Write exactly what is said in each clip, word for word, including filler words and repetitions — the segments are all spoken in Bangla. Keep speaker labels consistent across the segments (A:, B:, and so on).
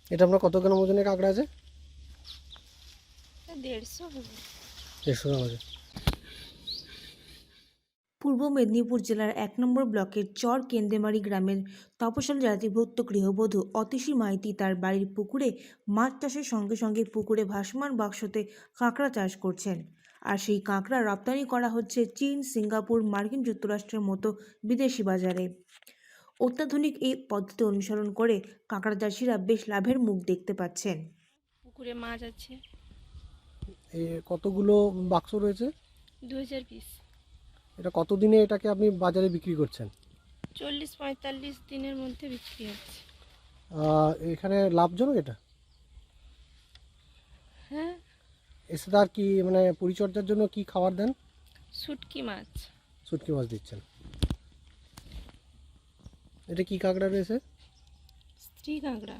A: এটা আপনার কত গ্রাম ওজনের কাঁকড়া আছে?
B: দেড়শো হবে।
A: দেড়শো গ্রাম আছে।
C: পূর্ব মেদিনীপুর জেলার এক নম্বর ব্লকের চর কেন্দেমারি গ্রামের তপশাল জাতিভুক্ত গৃহবধূ অতীশী মাইতি তার বাড়ির পুকুরে মাছ চাষের সঙ্গে সঙ্গে পুকুরে ভাসমান বাক্সতে কাঁকড়া চাষ করছেন। আর সেই কাঁকড়া রপ্তানি করা হচ্ছে চীন, সিঙ্গাপুর, মার্কিন যুক্তরাষ্ট্রের মতো বিদেশি বাজারে। অত্যাধুনিক এই পদ্ধতি অনুসরণ করে কাঁকড়া চাষিরা বেশ লাভের মুখ দেখতে পাচ্ছেন।
B: পুকুরে মাছ আছে
A: এই কতগুলো বাক্স রয়েছে?
B: দু হাজার পিস।
A: এটা কতদিনে এটাকে আপনি বাজারে বিক্রি করছেন?
B: চল্লিশ পঁয়তাল্লিশ দিনের মধ্যে বিক্রি হচ্ছে।
A: আহ, এখানে লাভজনক এটা?
B: হ্যাঁ,
A: এর সাথে আর কি মানে পরিচর্যার জন্য কি খাবার দেন?
B: শুটকি মাছ।
A: শুটকি মাছ দিচ্ছেন। এটা কি কাঁকড়া রয়েছে?
B: স্ত্রী কাঁকড়া।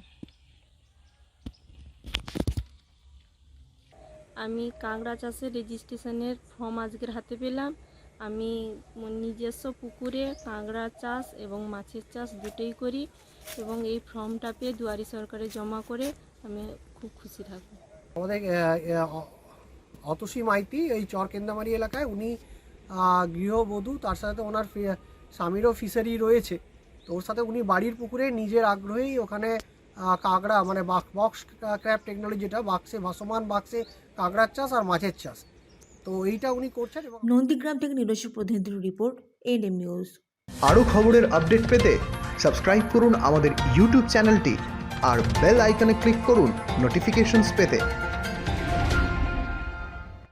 B: আমি কাঁকড়া চাষের রেজিস্ট্রেশনের ফর্ম আজকের হাতে পেলাম। আমি নিজস্ব পুকুরে কাঁকড়া চাষ এবং মাছের চাষ দুটোই করি এবং এই ফর্মটা পেয়ে দুয়ারি সরকারে জমা করে আমি খুব খুশি থাকব।
A: আমাদের অতসী মাইতি এই চর কেন্দামারি এলাকায়, উনি আহ, গৃহবধূ, তার সাথে ওনার ফি- স্বামীরও ফিশারি রয়েছে। তো ওর সাথে উনি বাড়ির পুকুরে নিজের আগ্রহেই ওখানে আহ, কাঁকড়া মানে বক্স ক্র্যাব টেকনোলজি, যেটা বাক্সে ভাসমান বাক্সে কাঁকড়ার চাষ আর মাছের চাষ, তো এইটা উনি করছেন। এবং
C: নন্দীগ্রাম থেকে নিজস্ব প্রতিনিধির রিপোর্ট, এনএম নিউজ।
D: আরও খবরের আপডেট পেতে সাবস্ক্রাইব করুন আমাদের ইউটিউব চ্যানেলটি আর বেল আইকনে ক্লিক করুন নোটিফিকেশনস পেতে।